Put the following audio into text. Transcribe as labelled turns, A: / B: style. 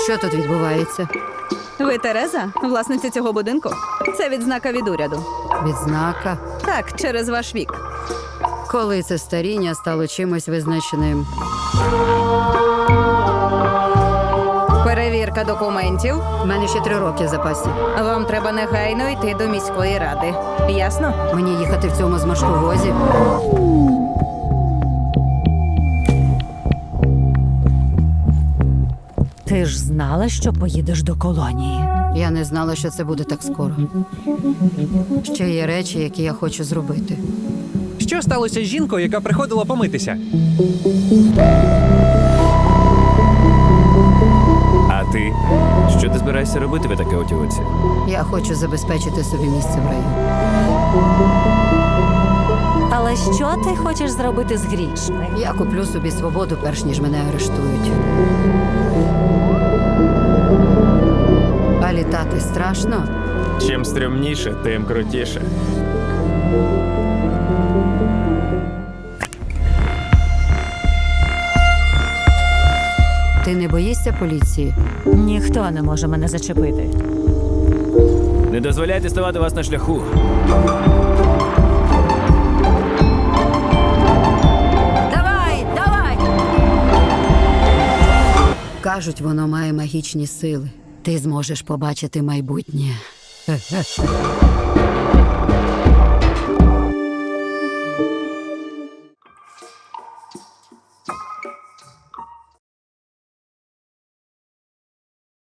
A: Що тут відбувається?
B: Ви Тереза, власниця цього будинку? Це відзнака від уряду.
A: Відзнака?
B: Так, через ваш вік.
A: Коли це старіння стало чимось визначеним?
B: Перевірка документів.
A: У мене ще 3 роки в запасі.
B: Вам треба негайно йти до міської ради. Ясно?
A: Мені їхати в цьому зморшковозі?
C: Ти ж знала, що поїдеш до колонії.
A: Я не знала, що це буде так скоро. Ще є речі, які я хочу зробити.
D: Що сталося з жінкою, яка приходила помитися?
E: А ти? Що ти збираєшся робити в таке отівоці?
A: Я хочу забезпечити собі місце в раю.
C: Але що ти хочеш зробити з грішми?
A: Я куплю собі свободу, перш ніж мене арештують. А літати страшно?
E: Чим стрімніше, тим крутіше.
A: Ти не боїшся поліції?
C: Ніхто не може мене зачепити.
E: Не дозволяйте ставати вас на шляху.
A: Давай, давай! Кажуть, воно має магічні сили. Ти зможеш побачити майбутнє.